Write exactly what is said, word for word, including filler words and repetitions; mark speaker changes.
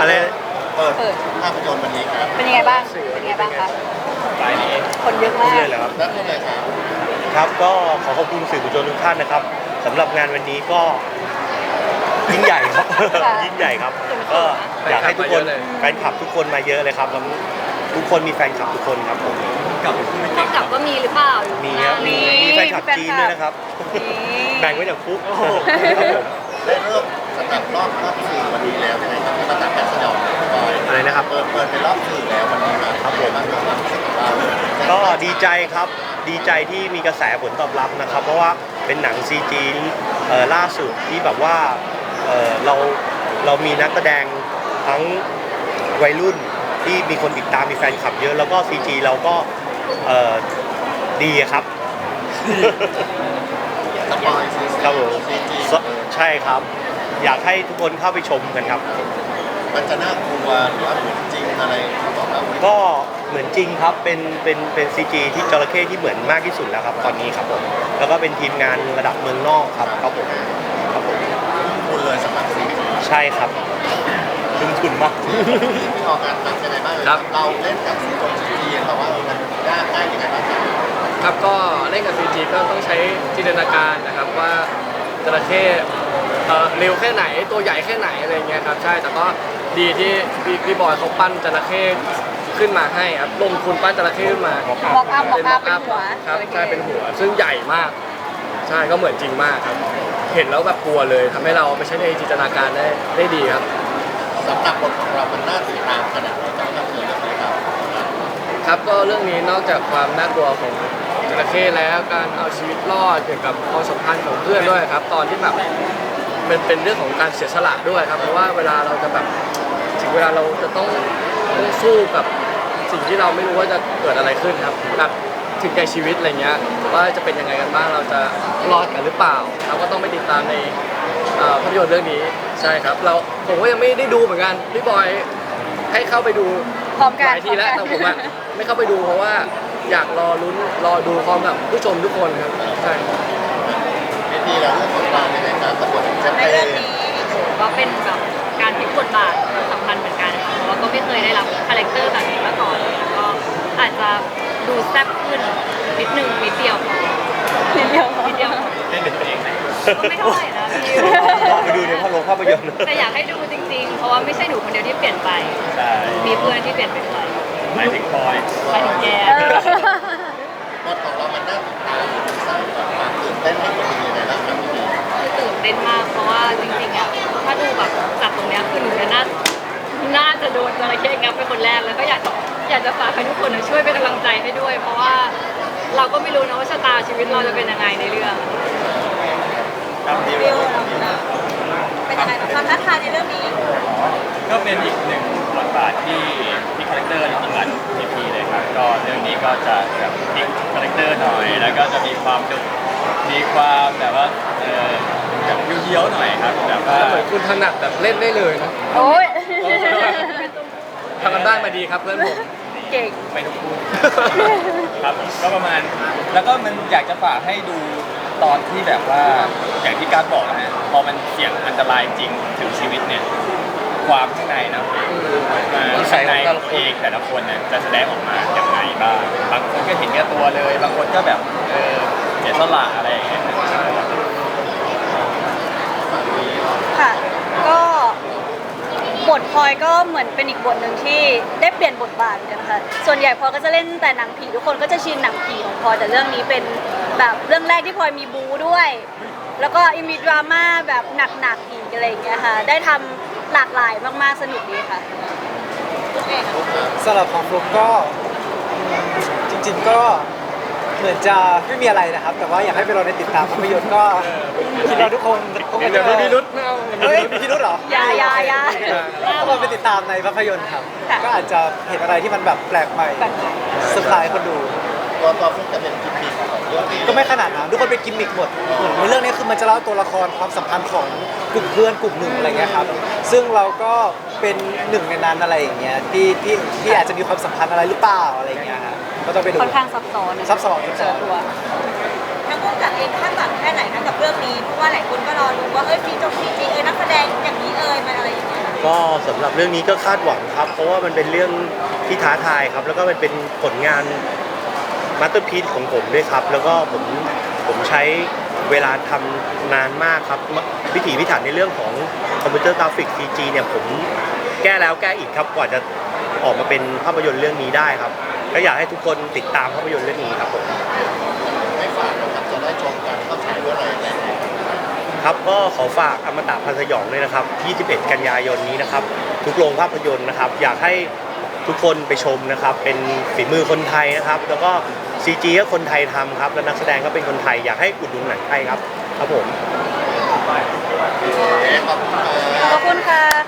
Speaker 1: อะไร
Speaker 2: เปิด
Speaker 3: เปิด
Speaker 2: ภาพยนตร์วันนี้ครับ
Speaker 3: เป็นยังไงบ้างเป็นยังไงบ้างคะ
Speaker 1: ปลายนี้
Speaker 3: คนเยอะมาก
Speaker 1: เรื่อยๆเลยครับ
Speaker 2: แล้วพูดเลยครับ
Speaker 1: ครับก็ขอขอบคุณสื่อมวลชนทุกท่านนะครับสำหรับงานวันนี้ก็ยิ่งใหญ่ครับ ยิ่งใหญ่ครับก็อยากให้ทุกคนแฟนคลับทุกคนมาเยอะเลยครับแล้วทุกคนมีแฟนคลับทุกคนครับผม
Speaker 4: กับ
Speaker 3: พอกลับก็มีหรือเปล่า
Speaker 1: มีครับมีมีแฟนคลับจีนด้วยนะครับแบ่งไว้จากฟุกครับผม
Speaker 2: ได้เริ่มสำหรับรอบรอบสื่อวันนี้แล้วยังไงครับประกาศการแสดงบอย
Speaker 1: อะไรนะครับ
Speaker 2: เปิดเปิดเป็นรอบสื่อแล้ววันนี้ครับครับผมมากกว่าสิบเรา
Speaker 1: ก็ดีใจครับดีใจที่มีกระแสผลตอบรับนะครับ เพราะว่าเป็นหนัง ซี จี เอ่อล่าสุดที่แบบว่าเอ่อเราเรามีนักแสดงทั้งวัยรุ่นที่มีคนติดตามมีแฟนคลับเยอะแล้วก็ ซี จี เราก็เอ่อดีครับ
Speaker 2: สปอยซี
Speaker 1: ครับผม
Speaker 2: ซีจี
Speaker 1: ใช่ครับ อยากให้ทุกคนเข้าไปชมกันครับ
Speaker 2: มันจะน่ากลัวหรือว่าเหมือนจริงอะไรเขาบอกว่า
Speaker 1: ก็เหมือนจริงครับ เป็น เป็น เป็น ซี จี ที่จระเข้ที่เหมือนมากที่สุดแล้วครับตอนนี้ครับผม แล้วก็เป็นทีมงานระดับเมืองนอกครับครับผมครับผม
Speaker 2: คุณเลยสำหรับซีจี
Speaker 1: ใช่ครับทุ่มทุนมาก
Speaker 2: ที่ออกงานทำยังไงบ้างครับเราเล่นกับซีจีแต่ว่ามันยากง่ายยังไงบ้างครับ
Speaker 4: ครับก็เล่นกับ ซี จี ก็ต้องใช้จินตนาการนะครับว่าจระเข้เอ่อเร็วแค่ไหนตัวใหญ่แค่ไหนอะไรเงี้ยครับใช่แต่ก็ดีที่พี่พี่บอยเขาปั้นจระเข้ขึ้นมาให้ครับลงทุนปั้นจระเข้ขึ้นมา
Speaker 3: บอกอัพบอกอัพเป็นหัว
Speaker 4: ครับใช่เป็นหัวซึ่งใหญ่มากใช่ก็เหมือนจริงมากครับเห็นแล้วแบบกลัวเลยทำให้เราไปใช้ในจินตนาการได้ได้ดีครับ
Speaker 2: สำหรับบทของเรามันน่าติดตามขนาดไหนจากภาพยนตร์เรื่องนี้ครับ
Speaker 4: ครับก็เรื่องนี้นอกจากความน่ากลัวของจระเข้แล้วการเอาชีวิตรอดเกี่ยวกับความสัมพันธ์ของเพื่อนด้วยครับ ตอนที่แบบเป็นเป็นเรื่องของการเสียสละด้วยครับเพราะว่าเวลาเราจะแบบถึงเวลาเราจะต้องต้องสู้กับสิ่งที่เราไม่รู้ว่าจะเกิดอะไรขึ้นครับแบบถึงแก่ชีวิตอะไรเงี้ยว่าจะเป็นยังไงกันบ้างเราจะรอดกันหรือเปล่าเราก็ต้องไปติดตามในเอ่อภาพยนตร์เรื่องนี้ใช่ครับเราผมก็ยังไม่ได้ดูเหมือนกันพี่บอยให้เข้าไปดู
Speaker 3: พร้อมกัน
Speaker 4: หลายทีแล้วแต่ผมอะไม่เข้าไปดูเพราะว่าอยากรอลุ้นรอดูพร้อมกับผู้ชมทุกคนครับใช่
Speaker 2: วิธีเราเรื่องของเราในยการประกวดแชม
Speaker 3: ใน
Speaker 2: เป
Speaker 3: เรื่อง
Speaker 2: ญ
Speaker 3: นี้
Speaker 5: ก็เป็นแบบการพลิกบทบาทสำคัญเหมือนกันค่ะเพราะว่าก็ไม่เคยได้รับคาแรคเตอร์แบบนี้มาก่อนแล้วก็อาจจะดูแซ่บขึ้นนิดนึงนิดเดียวพอ
Speaker 3: นิดเดียว
Speaker 5: นิดเดียว
Speaker 1: เล่นเป็นตัวเองไหม
Speaker 5: ก็ไม่เท่าไหร่นะพี่
Speaker 1: ลองไปดูในภาพยนตร์ภาพยนตร์
Speaker 5: แต่อยากให้ดูจริงๆ เพราะว่าไม่ใช่หนูคนเดียวที่เปลี่ยนไป
Speaker 1: ใช่
Speaker 5: มีเพื่อนที่เปลี่ยนไปด้วย
Speaker 1: หมายถึงบอย
Speaker 5: ไปถึงแก
Speaker 3: เออบ
Speaker 2: ทของเรามันน่าติดตามสร้างความตื่นเต้นให้คนดูยังไงบ้างครับพี่
Speaker 5: คือตื่นเต้นมากเพราะว่าจริงๆอ่ะถ้าดูแบบจากตรงเนี้ยคือหนูจะน่าน่าจะโดนจระเข้งับเป็นคนแรกแล้วก็อยากจะอยากจะฝากให้ทุกคนช่วยเป็นกำลังใจให้ด้วย เพราะว่าเราก็ไม่รู้นะว่าชะตาชีวิตเราจะเป็นยังไงในเรื่อง
Speaker 2: วิว
Speaker 3: วิวเป็นยังไงบ้างความท้าทายในเรื่องนี้
Speaker 6: ก็เป็นอีกหนึ่งบทบาทที่มีคาแรคเตอร์จริงๆหลายทีพีเลยครับก็เรื่องนี้ก็จะแบบพลิกคาแรคเตอร์หน่อย แล้วก็จะมีความดุมีความแบบว่าเออแบบเยี้ยวๆหน่อยครับแบบว่า
Speaker 4: เหมือนคุณถนัดแบบเล่นได้เลยนะ
Speaker 3: โอ้ย
Speaker 4: ทำกันบ้านมาดีครับเพื่อนผม
Speaker 3: เก่ง
Speaker 6: ไปทุกคู่ครับก็ประมาณแล้วก็มันอยากจะฝากให้ดูตอนที่แบบว่าอย่างที่การบอกนะฮะพอมันเสี่ยงอันตรายจริงถึงชีวิตเนี่ยความข้างในนะอ่าข้างในของเองแต่ละคนเนี่ยจะแสดงออกมาอย่างไรบ้างบางคนก็เห็นแก่ตัวเลย บางคนก็แบบเออเสียสละอะไรอย่างเงี้ย
Speaker 3: ค่ะ ก็บทพลอยก็เหมือนเป็นอีกบทหนึ่งที่ได้เปลี่ยนบทบาทเหมือนกันค่ะส่วนใหญ่พลอยก็จะเล่นแต่หนังผีทุกคนก็จะชินหนังผีของพลอยแต่เรื่องนี้เป็นแบบเรื่องแรกที่พลอยมีบู๊ด้วย แล้วก็มีดราม่าแบบหนักๆอีกอะไรอย่างเงี้ยค่ะได้ทำหลากหลายมากๆสนุกดีค่ะ
Speaker 7: สำหรับของฟลุกก็จริงๆก็เหมือนจะไม่มีอะไรนะครับ แต่ว่าอยากให้ไปรอในติดตามภาพยนตร์ก็คิดว่าทุกคนคง
Speaker 4: เดี๋
Speaker 7: จะ
Speaker 4: ยวมีพิรุษไม่เอา
Speaker 7: เฮ้ยมีพิรุธเหรอ
Speaker 3: อย่าอย่าอย่า
Speaker 7: ถ้าเราไปติดตามในภาพยนตร์ครับ
Speaker 3: ค่ะ
Speaker 7: ก็อาจจะเห็นอะไรที่มันแบบแปลกใหม่
Speaker 3: แบบไหน
Speaker 7: เซอร์ไพรส์คนดู
Speaker 2: ตัวตัวฟลุกจะเป็นกิมมิคของเรื่องนี้
Speaker 7: ก็ไม่ขนาดนั้นทุกคนเป็นกิมมิคหมดเหมือนในเรื่องนี้คือมันจะเล่าตัวละครความสัมพันธ์ของกลุ่มเพื่อนกลุ่มหนึ่งอะไรเงี้ยครับซึ่งเราก็เป็นหนึ่งในนั้นอะไรอย่างเงี้ยที่ที่ที่อาจจะมีความสัมพันธ์อะไรหรือเปล่าอะไรเงี้ยฮะก็ต้องไปดู
Speaker 3: ค่อนข้างซับซ้อนนะ
Speaker 7: ซับซ้อนซับซ้อน
Speaker 3: เจอตัว
Speaker 8: ทั้งผู้กำกับเองคาดหวังแค่ไหนนะกับเรื่องนี้เพราะว่าหลายคนก็รอรู้ว่าเอ้ยซีจงซีจีเอ้ยนักแสดงอย่างนี้เอ้ยมันอะไรอย่างเงี้ย
Speaker 7: จ
Speaker 1: ก็สำหรับเรื่องนี้ก็คาดหวังครับ เพราะว่ามันเป็นเรื่องที่ท้าทายครับ แล้วก็มันเป็นผลงานมาสเตอร์พีซของผมด้วยครับ แล้วก็ผมผมใช้เวลาทำนานมากครับพิถีพิถันในเรื่องของคอมพิวเตอร์กราฟิก ซี จี เนี่ยผมแก้แล้วแก้อีกครับกว่าจะออกมาเป็นภาพยนตร์เรื่องนี้ได้ครับก็อยากให้ทุกคนติดตามภาพยนตร์เรื่องนี้ครับผม
Speaker 2: ไม่ฝากนะครับจะได้ชมกันเข้าฉายเมื่อไหร่อะไรยังไง
Speaker 1: ครับก็ขอฝากอมตะพันธ์สยองด้วยนะครับ ยี่สิบเอ็ด กันยายนนี้นะครับ ทุกโรงภาพยนตร์นะครับ อยากให้ทุกคนไปชมนะครับ เป็นฝีมือคนไทยนะครับ แล้วก็ ซี จี ก็คนไทยทำครับ และนักแสดงก็เป็นคนไทย อยากให้อุดหนุนหนังไทยครับ ครับผม
Speaker 2: ขอบคุณครับ
Speaker 3: ขอบคุณค่ะ